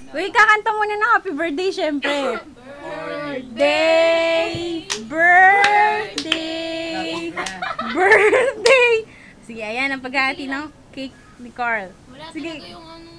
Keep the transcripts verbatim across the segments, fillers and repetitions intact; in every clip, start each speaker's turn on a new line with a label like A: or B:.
A: Wait, kakanta muna ng happy birthday, syempre. Birthday! Birthday! Birthday! Sige, ayan ang paghahati ng cake ni Carl.
B: Wala
A: Sige.
B: talaga yung ano.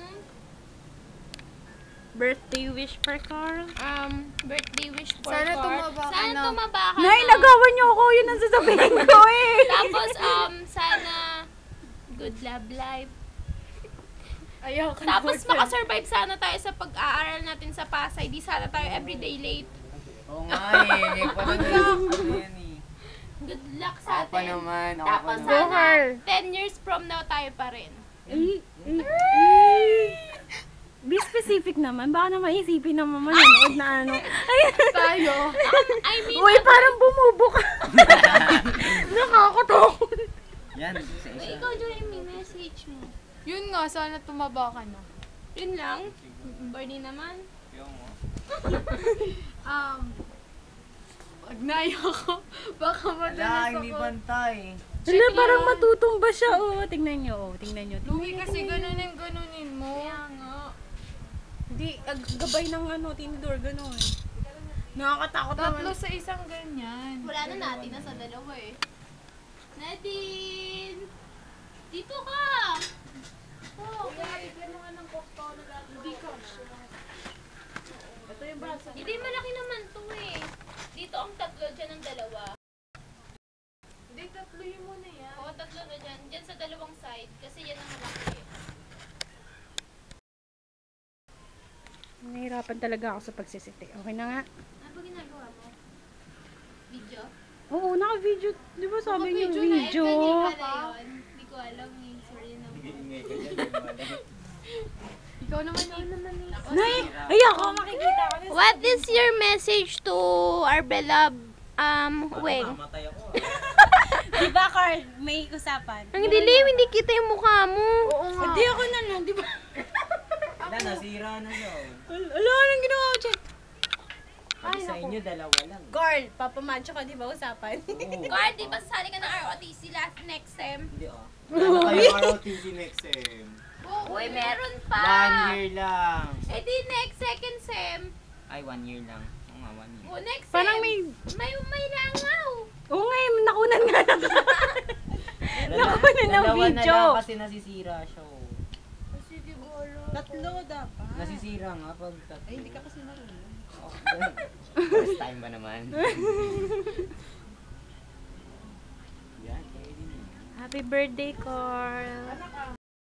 A: Birthday wish for Carl.
B: Um, birthday wish for
C: Sana
B: Cor.
C: tumaba ka
B: Sana
C: na.
B: tumaba ka
A: Nay,
B: na.
A: nagawan niyo ako. Yun ang sasabihin ko eh.
B: Tapos, um, sana good love life.
C: Ayaw ka
B: Tapos, makasurvive sana tayo sa pag-aaral natin sa Pasay. Di sana tayo everyday late.
D: Oo nga eh. Hindi pa naman. Ano yan eh.
B: Good luck sa
D: Ako pa
B: atin.
D: naman. Ako pa
B: Tapos,
D: naman.
A: Go,
B: sana
A: Carl.
B: ten years from now tayo pa rin.
A: Eh, eh, eh. Be specific naman. Baka na maisipin naman manonood na ano. Ayan.
C: tayo.
B: I mean,
A: Uy, parang bumubo ka. Nakakatakot.
D: Yan. Isa isa.
B: ikaw, Joy, may message mo.
C: Yun nga, sana tumaba ka na.
B: Yun lang. Bernie naman.
C: Um, wag na ayoko. Baka
D: Wala,
C: madalas
D: hindi
C: ako.
D: bantay.
A: Wala, parang matutumba siya. Oh, tingnan nyo. Oh, tingnan nyo. Tingnan
C: Louie,
A: nyo,
C: kasi
A: tingnan nyo.
C: ganunin, ganunin mo. Kaya nga.
A: Hindi, ag- gabay ng ano, tinidor, gano'n. Nakakatakot
C: Tatlo
A: naman.
C: sa isang ganyan.
B: Wala na natin, nasa dalawa eh. Nadine! Dito ka! Oh, okay.
C: Hindi ka.
A: Ito yung braso.
B: Hindi, malaki naman to eh. Dito ang tatlo, dyan ang dalawa.
C: Hindi, tatlo yun muna yan.
B: Oo, tatlo na dyan. Dyan sa dalawang side, kasi yan ang malaki.
A: Nahihirapan talaga ako sa pagsisiti. Okay na nga.
B: Ano ba ginagawa mo? Video?
A: Oo, naka-video. Di ba sabi niyo
C: Naka-video na,
A: video?
B: Ay, ganyan pala yun. Hindi ko alam eh. Sorry na.
D: Ingay ka dyan. di mo alam.
C: Ikaw naman, ikaw naman. eh.
A: Nay, ay ako makikita ko na.
B: What is your message to our beloved um, Weng?
D: Mamatay ako.
A: Di ba, Carl? May usapan.
B: Ang dilim, hindi kita yung mukha mo.
C: Oo nga.
A: Hindi ako na lang, di ba?
D: Wala, nasira na siya. oh.
A: Wala, anong ginawa ko dyan?
D: Kasi sa inyo, dalawa lang.
A: Carl, papamancho ka, di ba usapan?
D: Oo.
B: Guard, di ba sali ka ng R O T C last next sem?
D: Hindi ah. Wala kayo R O T C next sem.
B: Uy, meron pa!
D: One year lang.
B: Eh di next second sem.
D: Ay, one year lang. Oo nga, one year.
B: O next sem.
A: Parang may...
B: May, may langaw.
A: Oo nga, eh, nakunan nga lang.
D: Dala-
A: Nakuha na ng
D: dalawa na
A: video.
D: lang kasi nasisira siya. oh.
C: Sige, bolo.
A: Tatlo dapat.
D: Nasisira nga pag tatlo.
A: Ay, hindi ka kasi marunong.
D: Oh, first time ba naman? Yan, kayo din. eh.
A: Happy birthday, Carl.